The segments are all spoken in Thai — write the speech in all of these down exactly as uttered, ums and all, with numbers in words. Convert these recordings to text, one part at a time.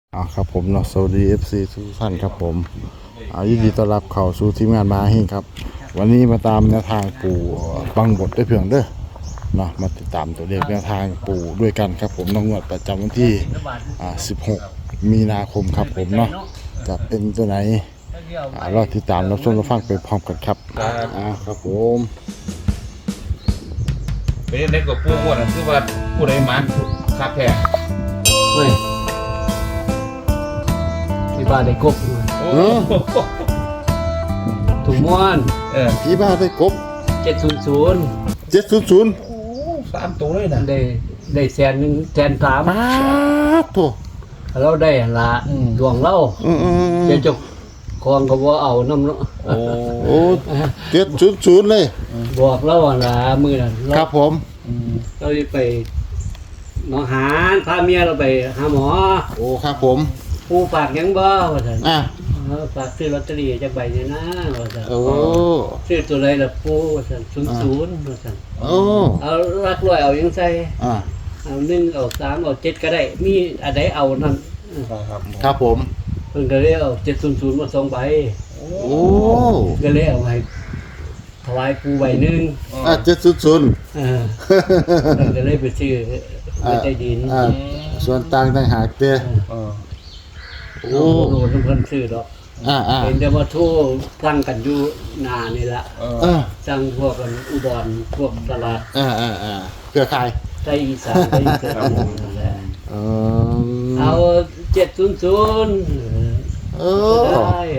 อ่าครับผมเนาะสวัสดีเอฟซีทุกท่านครับผมอ่ายินดีต้อนรับเข้าสู่ทีมงานมาเฮงครับวันนี้มาตามแนวทางปู่บังบดได้เพียงเด้อเนาะมาติดตามตัวเลขแนวทางปู่ด้วยกันครับผมน้องงวดประจำวันที่อ่าสิบหกมีนาคมครับผมเนาะจะเป็นตัวไหนอ่ารอติดตามรับชมรับฟังไปพร้อมกันครับอ่าครับผมเป็นเด็กกับปูอ้วนนั่นคือว่าผู้ใดมันคักแท้เฮ้ยที่บ้านได้กบอยู่โอ้เออถุงม้วนเออพี่บ้าได้กบเจ็ดศูนย์ศูนย์เจ็ดศูนย์ศูนย์โอ้สามตัวเลยนะได้ได้แสนหนึ่งแสนสามป้าบโถเราได้หั่นละดวงเราอืมอืมอืมเจ้าเจ้าของก็บ่เอาน้ำเนาะโอ้โอ้เจ็ดศูนย์ศูนย์เลยบอกเราหั่นละมื้อนั้นเราครับผมเราได้ไปหนองหานพาเมียเราไปหาหมอโอ้ครับผมผู้ฝากหยังบ่ว่าซั่นอ่ะเออฝากซื้อลอตเตอรี่จักใบนี่นะว่าซั่นโอ้ซื้อตัวใดล่ะปู่ว่าซั่นศูนย์ศูนย์ว่าซั่นโอ้เอารักร้อยเอายังใส่อ่ะเอาหนึ่งเอาสามเอาเจ็ดก็ได้ มีอะไรเอานั่นครับครับผมเพิ่นก็เลยเอาเจ็ดศูนย์ศูนย์มาสองใบโอ้ก็เลยเอาให้ถวายปูใบหนึ่งอ่ะเจ็ดศูนย์ศูนย์เออเพิ่นก็เลยไปซื้อไปใต้ดินอ่ะส่วนต่างต่างหากเต้เออโอ้โอ้โหเพิ่นซื้อดอกอ่ะอ่ะเป็นแต่ว่าโทรสั่งกันอยู่หน้านี่ละเอออ่ะสั่งพวกกันอุดรพวกตลาดอ่ะอ่ะอ่ะเครือข่ายไทยอีสานไทยอีสานนั่นแหละเออเอาเจ็ดศูนย์ศูนย์เอก็อได้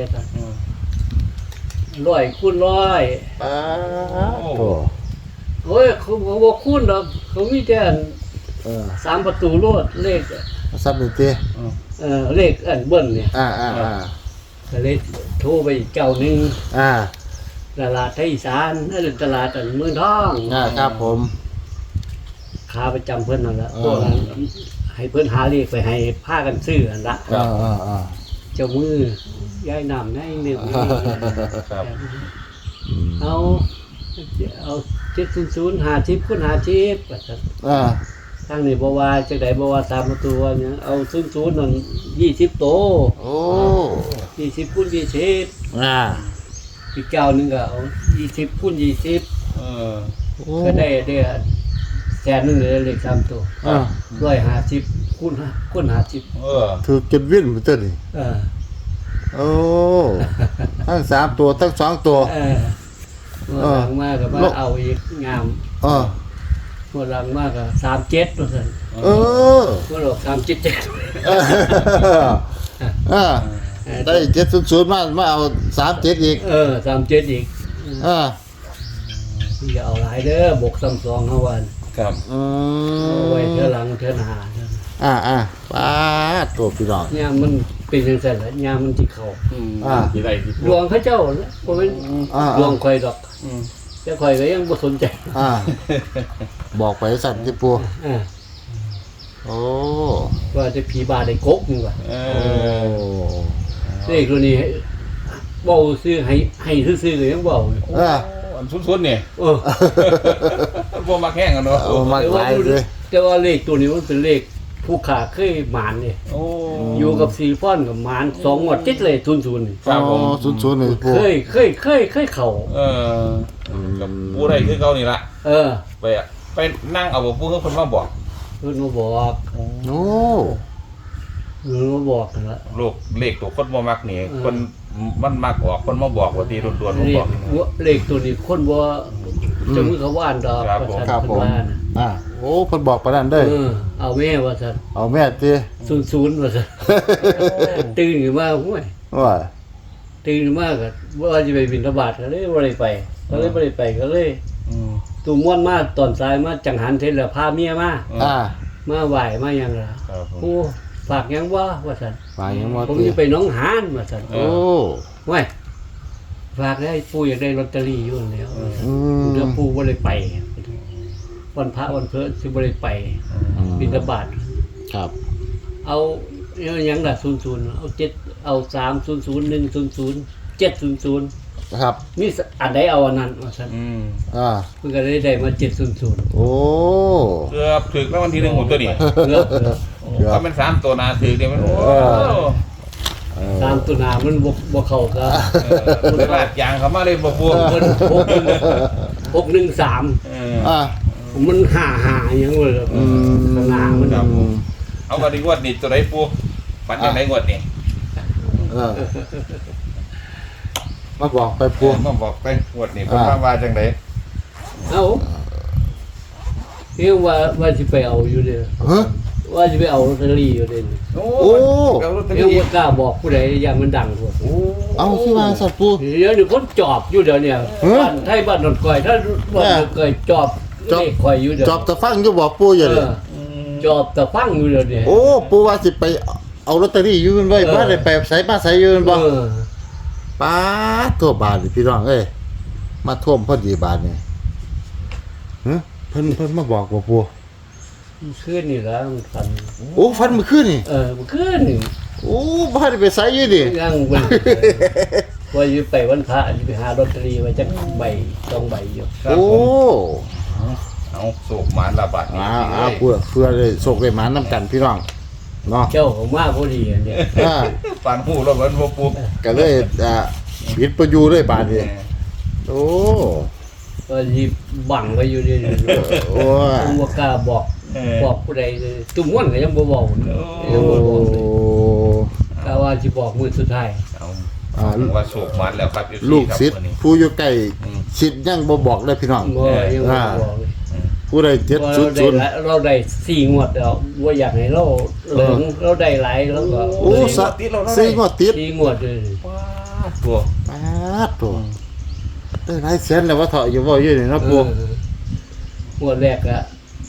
ร้อยคูณร้อยป้าบโถโอ้ยเขาเขาบอกคุณดอกเขามีแต่อันเออสามประตูโลดเลขซับหนึ่งเต้เอ่อเลขอันเบิ้ลเนี่ยอ่ะอ่ะอ่ะก็เลยโทรไปอีกเจ้าหนึ่งอ่ะตลาดไทยอีสานนั่นตลาดอันเมืองทองอ่ะครับผมขาประจำเพิ่นนั่นละเออพวกนั้นให้เพิ่นหาเลขไปให้พากันซื้ออันละอ่ะอ่ะอ่ะเจ้ามือยายนำให้หนึ่งครับเอาเอาเจ็ดศูนย์ศูนย์หาชิปคุณหาชิปอ่ะทางนี้บว่าจังไดบว่าสามประตูว่าเนี่ยเอาศูนย์ศูนย์นั่นยี่สิบโตโอ้ยี่สิบคูณยี่สิบอ่ะอีกเก้าหนึงก็เอายี่สิบคูณยี่สิบเออโอ้ก็ได้ได้แสนหนึงเลยเลขสามตัวอ่ะร้อยห้าสิบคูณห้าคูณห้าสิบเออถือเก็บวิ่นมาเต้นนี่เออโอ้ทั้งสามตัวทั้งสองตัวเออเมื่อหลังมากก็มาเอาอีกงามเออเมื่อหลังมากก็สามเจ็ดตัวสั่นเออเมื่อหลอกสามเจ็ดเจ็ดเออเออได้เจ็ดศูนย์ศูนย์มามาเอาสามเจ็ดอีกเออสามเจ็ดอีกเอออย่าเอาหลายเด้อบวกซ้ำสองเท่าวันครับอืเอาไว้มเท่าหลังเท่าหน้าเท่านั้นอ่าอ่าป้าดตัวพี่น้องยามมันเป็นจังซั่นแหละยามมันสิเข้าอืมอ่าที่ใดที่ดวงเขาเจ้าน่ะบ่แม่นอ่าดวงข่อยดอกอืมแต่ข่อยก็ยังบ่สนใจอ่าบอกไปสั่นที่ปูเออโอ้ว่าจะผีบาได้กกนี่ว่าเอโอ้อเลขตัวนี้เว้าซื้อให้ให้ซื่อๆก็ยังเว้าอยู่เอออันสุดๆนี่เออบ่มาแข่งกันเนาะเอามาหลายเลยแต่ว่าเลขตัวนี้มันเป็นเลขผู้ขาเคยหมานนี่โอ้อยู่กับซีฟอนกับหมานสองงวดติดเลยศูนย์ศูนย์นี่ครับผมศูนย์ศูนย์หนึ่งปูเคยเคยเคยเคยเข้าเออกับผู้ใดคือเขานี่ละเออไปอะไปนั่งเอาบ่ผู้เพิ่นมาบอกเพิ่นมาบอกโอ้เพิ่นมาบอกกันละลูกเลขตัวคนบ่มักนี่เออคนมันมักออกคนมาบอกว่าตีด่วนๆมาเลบขอกเลขตัวนี้คนบ่จะมือเขาว่านดอกครับว่าผมซั่นครับผมเพิ่นว่านะอ่าโอ้เพิ่นบอกปานนั้นเด้อเออเอาแม่ว่าซั่นเอาแม่ตีศูนย์ศูนย์ว่าซั่นตื่นขึ้นมาห้วยว่าตื่นขึ้นมาก็ว่าจะไปบิณฑบาตก็เลยบ่ได้ไปก็เลยบ่ได้ไปก็เลยอืมตูม่วนมาตอนสายมาจังหันเทศแล้วพาเมียมาอ่ามาไหว้มาหยังล่ะครับผมโอ้ฝากหยังบ่ว่าซั่นไปยังบ่ผมตีจะไปหน้องหานว่าซั่นโอ้ว้ยฝากได้ปู่อยากได้ลอตเตอรี่อยู่แล้วอืมเดี๋ยวปู่บ่ได้ไปวันพระวันเพฤสิบ่ได้ไปบิณฑบาตครับเอาเอาหยังล่ะศูนย์ศูนย์เอาเจ็ดเอาสามศูนย์ศูนย์หนึ่งศูนย์ศูนย์เจ็ดศูนย์ศูนย์ครับมีอันใดเอาอันนั้นว่าซั่นอืมอ่าเพิ่นก็เลยได้มาเจ็ดศูนย์ศูนย์โอ้เกือบถึงแล้ววันที่หนึ่งหมดตัวนี่เลือกเลือกโอ้เดี๋ยวก็เป็นสามตัวหนาถือเดียวมันโอ้เออตามตัวหนามันบ่บ่เข้าซะเออเลยลาดยางเขามาเลยบ่พวงเพิ่นหกหนึ่งหกหนึ่งสามเอออ่ะมันห่าหาหยังเลยอืมข้างหน้ามันครับผมเอาวันนี้งวดนี้ตัวไหนปูฝันยังไงงวดนี้เออมาบอกไปพพววงงมาบอกไปงวดนี้เพิ่นว่าว่าจังไดเอ้าเรียกว่าว่าสิไปเอาอยู่เด้อฮะว่าสิไปเอาลอตเตอรี่อยู่เด้อโอ้โอ้เอาลอตเตอเรียกรี่ว่ากล้าบอกผู้ใดอย่างมันดังทั่วโอ้เอาที่วางสัตว์ปูเดี๋ยวนี้คนจอบอยู่เดี๋ยวเนี่ยฮะบ้านไทยบ้านนนก่อยถ้าบ้านนนก่อยจอบจอบเลขข่อยอยู่เดี๋ยวจอบตะฟังอยู่บอกปูอยู่เอเลยอจอบแต่ฟังอยู่เดี๋ยวนี้โอ้ปูว่าสิไปเอาลอตเตอรี่อยู่มันไว้เออบ้านได้ไปใส่บ้านใส่อยู่มันบ่เออป้าดทั่วบาทนี่พี่น้องเอ้ยมาท่วมพอดีบาทนี่ฮะเพิ่นเพิ่นมาบอกว่าปูมันขึ้นนี่แล้วมันฟันโอ้ฟันมื้อคืนนี่เออมันขึ้นนี่โอ้บ้านได้ไปใส่อยู่นี่ยังมันว่าอยู่ไปวันพระอยู่ไปหาลอตเตอรี่ไว้จักใบสองใบอยู่ครับโอ้ผมเอาสูบหมานระบาดนี่อ่าอ่าเพื่อเพื่อได้โชคได้หมานํกันพี่น้องเนาะเจ้าของมาพอดีอันเนี่ยอ่าฝันหูแล้วเหมือนบ่ปูก็เลยอ่าปิดประยูเลยบาทนี่โอ้ก็ยีบังไว้อยู่เดียวนี้โอ้ยผมบ่กล้าบอกเออบอกผู้ใดเลยตุ้มม่วนก็ยังบ่บอกยังบ่บอกเลยกะว่าสิบอกมื้อสุดท้ายเอาอ่าว่าสูบหมานแล้วครับลูกศิษย์ครับวันนี้ผู้อยู่ใกล้อืมศิษย์ยังบ่บอกเลยพี่น้องบ่ยังบ่บอกเลยผู้ใดเจ็ดว่าศูเรานย์ได้ศูนย์หลายเราได้สี่งวดแล้วว่าอยากให้เราเหลืองเราได้หลายแล้วก็โอ้สะสี่งวดติดสี่งวดเลยตัวปาดตัวเอ้ยหลายแสนแล้วว่าเถาะอยู่บ่อยู่นี่เนาะปู่เอองวดแรกอะ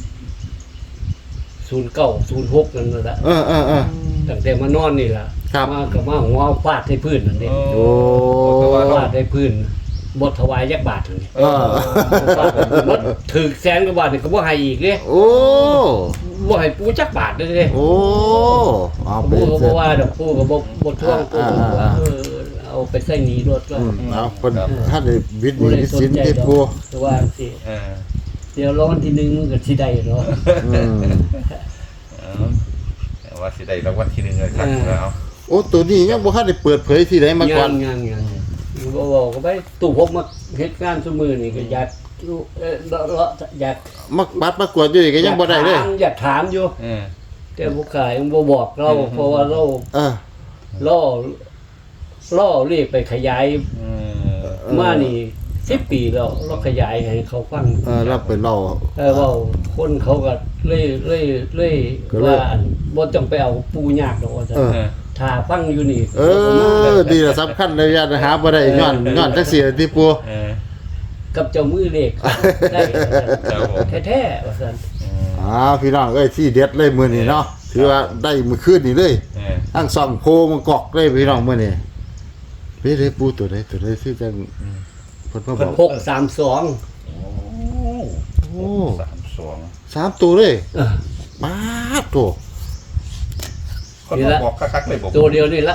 ศูนย์เก้าศูนย์หกนั่นแหละเออเออเออตั้งแต่มานอนนี่ล่ะครับมากับมาหัวฟาดให้พื้นนั่นเองโอ้แต่ว่าเราฟาดให้พื้นบทถวายยักบาทเลยเออฟาดมันถึกแสนกว่าบาทนี่ก็บ่ให้อีกเด้โอ้บ่ให้ปูจักบาทเลยเด้โอ้เอาไปปูก็เสร็บ่จว่าดอกปูก็บ่บ่ทวงปูก็บอกว่าอ่าเออเอาไปใส่หนีรถก็อืมเอาเพิ่นถ้าได้วิทย์บ่มีได้วิสนสินใจที่ดอกปู่แต่ว่าสิเออเดี๋ยวรอวันที่หนึ่งมันก็สิได้เนาะอืมเออแต่ว่าสิได้รางวัลที่หนึ่งเลยครับเออแล้วโอ้ตัวนี้ยังบ่ทันได้เปิดเผยที่ไหนมาก่อนงานงานบ่บอกก็ไปตู้พกมาเฮ็ดงานซุมื้อนี่ก็อยากรู้เอ่อเลาะเลาะอยากมักปัดมากวดอยู่นี่ก็ยังบ่ได้เลยถามอยากถามอยู่เออแต่ผู้ขายยังบ่บอกเราอืมเพราะว่าเราเออล่อล่อเรียกไปขยายเออมานี่สิบปีแล้วเราขยายให้เขาฟังเออเราไปเล่าเออเว่าคนเขาก็เล่ยเล่ยเล่ยก็เลยว่าอันบ่ต้องไปเอาปูยากดอกว่าซั่นเออเออถ้าฟังอยู่นี่เออ ดีละสำคัญเลยญาติหาบ่ได้ย้อนย้อนจักเสียที่ปู่เออกับเจ้ามือเลขได้ครับผมแท้ๆว่าซั่นอ่าพี่น้องเอ้ยที่เด็ดเลยมื้อนี้เนาะถือว่าได้มื้อคืนนี้เลยเออทั้งสองโพมันกอกเลยพี่น้องมื้อนี้เฮ้ยได้ปู่ตัวใดตัวใดที่จังเพิ่นมาบอกหกสามสองโอ้โอ้สามสองสามตัวเลยเออมาดตัวคนมาบอกคักๆเลยบอกตัวเดียวนี่ละ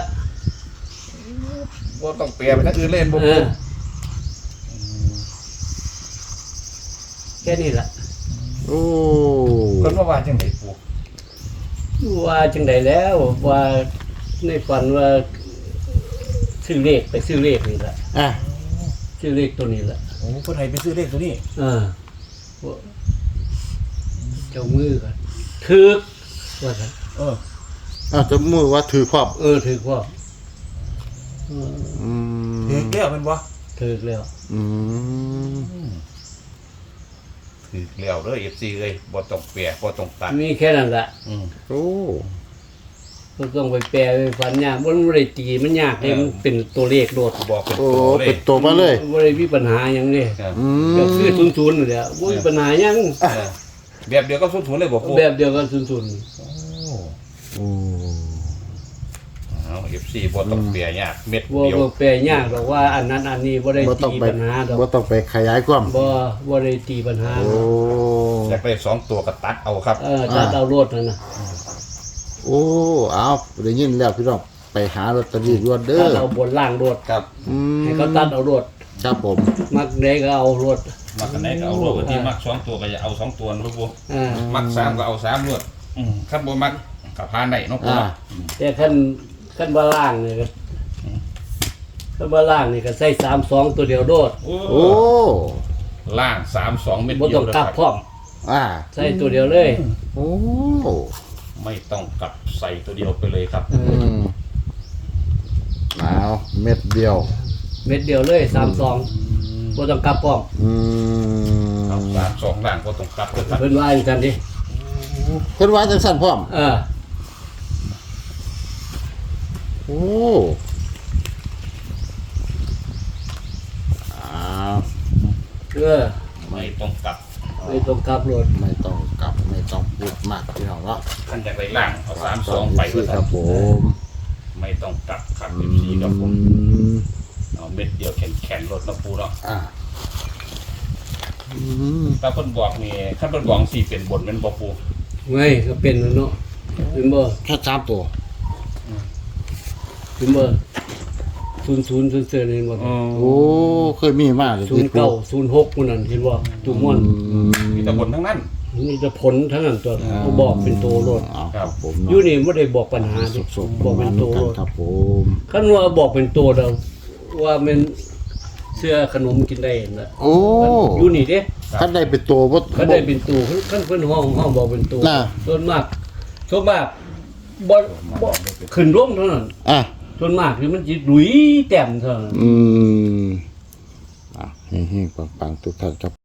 ว่าต้องเปลี่ยนไปทั้งอื่นเล่นบ่เอปูอแค่นี้ละโอ้คนว่าว่าจังไดปูว่าจังไดแล้วว่าในฝันว่าซื้อเลขไปซื้อเลขนี่ละอ่ะซื้อเลขตัวนี้ละโอ้คนไทยไปซื้อเลขตัวนี้เออว่าเจ้ามือกันถึกว่าซั่นเอออ่ะจะมือว่าถือครอบเออถึกว่าเอออืมถือแก้วเป็นบ่ถึกแล้วอืมถือแล้วเด้อ เอฟ ซี เอ้ยบ่ต้องเปลี่ยนบ่ต้องตัดมีแค่นั้นละอืมโอ้บ่ต้องไปแปลไปฝันยากบ่มันบ่ได้ตีมันยากเลยมันเป็นตัวเลขโดดบอกเป็นโอ้ตัวเลเป็ขนตัวมาเลยบ่ได้มีปัญหาหยังเด้ครับอืมก็คือศูนย์ๆนั่นแหละบ่มีปัญหาหยังเออแบบเดียวก็สุดทุนเลยบ่ปูแบบเดียวกันศูนย์โอ้โอ้เอา เอฟ ซี บ่ต้องเปลี่ยนยากเม็ดๆบ่เดียวบ่แปลยากหรอกว่าอันนั้นอันนี้บ่ได้บ่ต้องตีไปปัญหาดอกบ่ต้องไปขยายความบ่บ่ได้ตีปัญหาโอ้อยากได้สองตัวก็ตัดเอาครับเออถ้าเอารถนั่นน่ะโอ้เอาได้ยินแล้วพี่น้องไปหาลอตเตอรี่รวดเด้ถ้าอเอาบนล่างรถครับอืมให้เขาตัดเอารถครับผมมักได้ก็เอารถมักอันไหนก็เอารวดที่มักสองตัวก็อย่าเอาสองตัวนะลูกปูอ่ามักสามก็เอาสามรวดอืมครับบ่มักกับพานได้เนาะปูอ่าเนาะแต่ขั้นขั้นว่าล่างนี่ก็ขั้นว่าล่างนี่ก็ใส่สามสองตัวเดียวโดดโอ้โอ้ล่างสามสองเม็ดบ่เดียต้วองเลยกคลัรับบ พร้อมอ่าใส่ตัวเดียวเลยโอ้ไม่ต้องกลับใส่ตัวเดียวไปเลยครับอืมเอาเม็ดเดียวเม็ดเดียวเลยสามสองบ่ต้องกลับพร้อมอืมเอาสามสองล่างก็ต้องกลับด้วยครับเพิ่นว่าอย่างนั้นดิเพิ่นว่าจังสั่นพร้อมเออโอ้อ้าวเออไม่ต้องกลับไม่ต้องกลับรถไม่ต้องกลับไม่ต้องพูดมากพี่น้องเนาะขันจากไรล่างเอาสามสองไปสิก็คครัรับบ ผมไม่ต้องกลับครับอืเอฟซีครับผมมเอาเม็ดเดียวแข็งแข็งรถแล้วปูเนาะอ่าอืมถ้าเพิ่นบอกนี่ถ้าเพิ่นบอกสี่เป็นบนเป็นบ่ปูไม่ก็เป็นแล้วเนาะเป็นบ่แค่สามตัวเป็นบ่ศูนย์ศูนย์ศูนย์เสือนี่บ่โอ้เคยมีมากเลยศูนย์เก้าศูนย์หกมันนั่นเห็นบ่ตุ่มม่วนอืมมีแต่บนทั้งนั้นมีแต่ผลทั้งนั้นตัวเขาบอกเป็นตัวรถเอาครับผมอเนาะยู่นี่บ่ได้บอกปัญหาดิสุกๆบอกเป็นตัวกัรนถครับผมคันว่าบอกเป็นตัวเดาว่ามันเสื้อขนมกินได้น่ะโอ้อยู่นี่เด้ท่านได้เป็นตัวบ่คันได้เป็นตัวคันเพิ่นห้องห้องบอกเป็นตัวน่ะส่วนมากส่วนมากบ่บ่ขึ้นลงเท่านั้นอ่ะส่วนมากคือมันสิหลุยแต้มเท่านั้นอืมอ่ะเฮ้งๆปังๆทุกท่านครับ